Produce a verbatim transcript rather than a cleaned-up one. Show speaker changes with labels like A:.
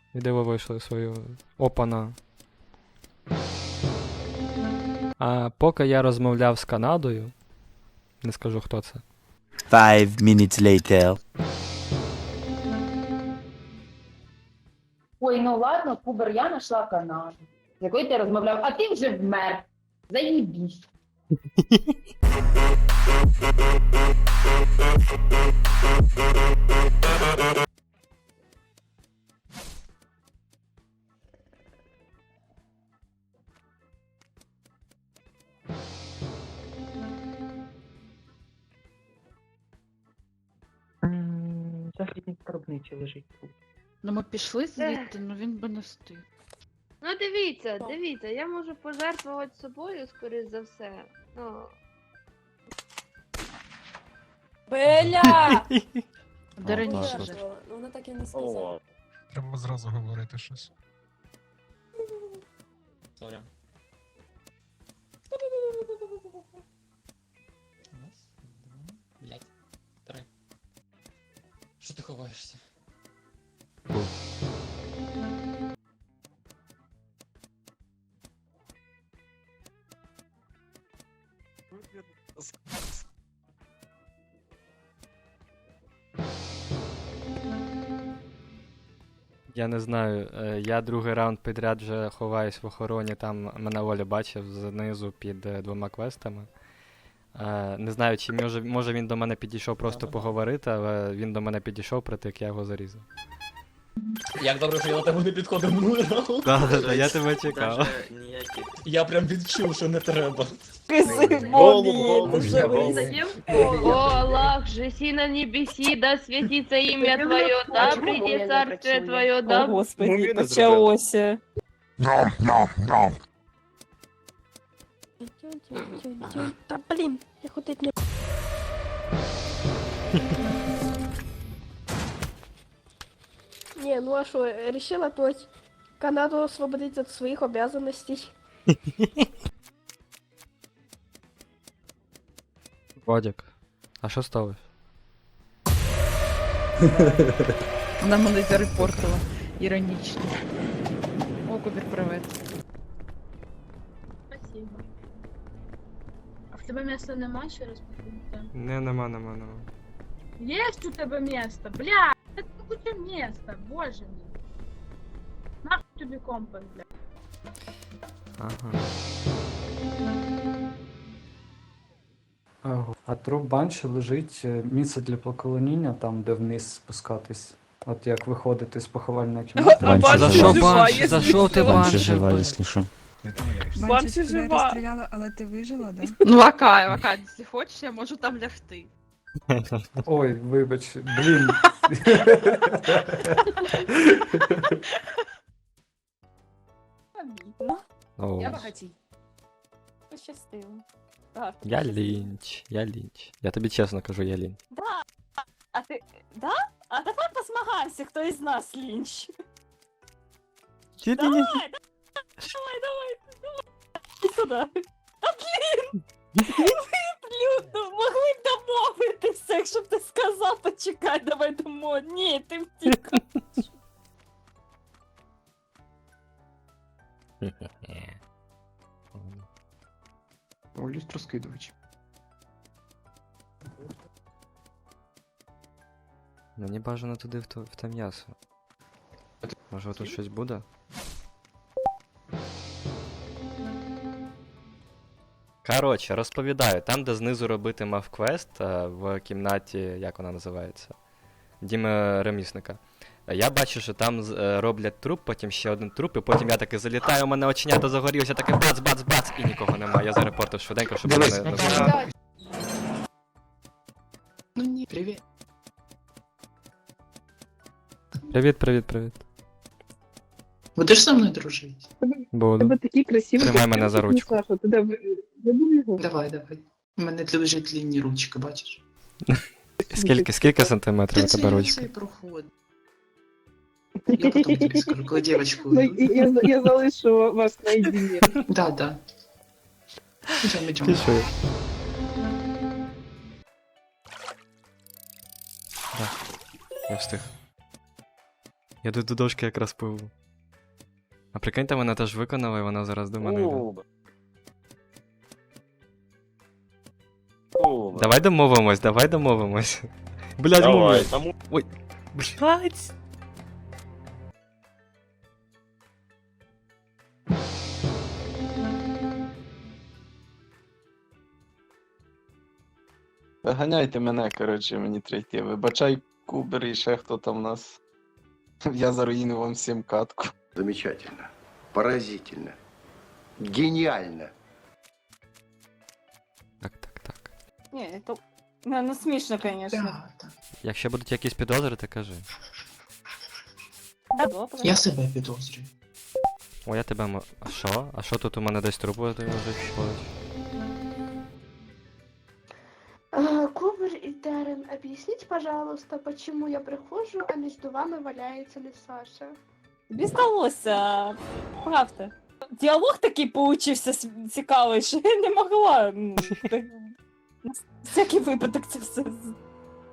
A: Іди ви вийшли свою опана. А поки я розмовляв з Канадою, не скажу хто це.
B: Five minutes later.
C: Ой, ну ладно, Кубер, я знайшла Канаду, з якою ти розмовляв, а ти вже вмер. Заїбісь.
D: Західник скарбничий лежить тут.
E: Ну ми пішли звідти, ну він би не встиг.
F: Ну дивіться, дивіться, я можу пожертвувати собою, скоріш за все. Ну,
G: Беля!
E: Де
A: О,
E: раніше
A: так,
E: же.
G: Ну, вона так і не сказала.
H: Треба зразу говорити щось.
I: Сорі. Раз, два, блять, три. Що ти ховаєшся?
A: Я не знаю, е, я другий раунд підряд вже ховаюсь в охороні, там мене Оля бачив знизу під е, двома квестами. Е, Не знаю, чи може, може він до мене підійшов просто поговорити, але він до мене підійшов, притик, я його зарізав.
I: Як добре, що я до тебе не підходив минулий раунд.
A: Так, я тебе чекав.
I: Я прям відчув, що не треба.
F: о, Аллах, жеси на небеси, да святится имя Твое, да
C: чому
F: прийди
C: я не
F: царствие
C: працюю?
F: Твое,
G: О,
F: да...
G: Господи, почалося. Та блін, я ходить не... Не, ну а что, решила опять Канаду освободить от своих обязанностей.
A: Вадик, а що сталося?
E: Вона мене зарепортила. Іронічно. О, Кубір, привет.
J: Спасибо. А в тебе місця нема, ще раз повторюйте?
A: Не, нема, нема, нема.
J: Есть у тебе місце, бля! Це куча місця, боже мій. Нахуй тобі компас, бля.
A: Ага.
K: Ага. А труп банші лежить е, місце для поклоніння, там, де вниз спускатись. От як виходити з поховальної кімнати.
B: Банші
A: За
B: жива.
A: що банші? За що ти
B: Банші
A: банші?
B: жива,
A: вбив?
B: якщо що.
G: Банші жива.
E: розстріляла, але ти вижила, да? Ну, Вакай, Вакай, якщо хочеш, я можу там лягти.
K: Ой, вибач, блін.
A: О,
G: Я багатій. Пощастило. Так.
A: Я лінч, я лінч. Я тобі чесно кажу, я лінч.
G: Да. А ти... Да? А давай посмагаємося, хто із нас лінч.
A: Чи
G: Давай, давай, давай, давай, давай. Іди сюди. А блін! Люто, могли б домовитися, якщо б ти сказав, почекай, давай домо. Ні, ти втік.
K: О, люстрозкидувач.
A: Мені бажано туди в, то, в те м'ясо. Може тут щось буде? Коротше, розповідаю, там, де знизу робити мав квест, е, в кімнаті, як вона називається? Діми ремісника. Е, Я бачу, що там з- е, роблять труп, потім ще один труп, і потім я таки залітаю, у мене оченята загорілися, таке бац-бац-бац, і нікого немає. Я зарепортив швиденько, щоб мене не було.
I: Ну ні, привіт.
A: Привіт, привіт, привіт.
I: Будеш со мною дружити?
A: Буду.
D: такі красиві.
A: Тримай мене за ручку.
D: Саша, ти де вибув його?
I: Давай, давай. У мене лежить лінні ручки, бачиш?
A: Скільки, скільки сантиметрів у
I: Та
A: тебе
I: це
A: ручка?
I: цей проход. Я потім тобі скажу, коли дівчинку...
D: Ну, і- я, я залишу вас наедине.
I: Да, да. Идем, идем.
A: Пішли. Да. Я встиг. Я тут до дошки якраз пливу. А прикиньте, вона теж виконала, і вона зараз до мене йде. Давай домовимось, давай домовимось. Блядь, мумія. Ой, блядь.
I: Виганяйте мене, коротше, мені третє. Вибачай, Кубер і ще хто там у нас. Я заруїнив вам всім катку.
L: Замечательно. Поразительно. Гениально.
A: Так, так, так.
G: Ні, то... Не, ну смішно, звісно.
A: Якщо будуть якісь підозри, то кажи.
G: Я
I: себе підозрюю.
A: О, я тебе мо... А що? А що тут у мене десь трубу лежить?
F: Кубер и Даррен, объясните, пожалуйста, почему я прихожу, а между вами валяется не Саша?
G: Тобі сталося, правда. Діалог такий получився с- цікавий, що я не могла. м, так, на всякий випадок це все з-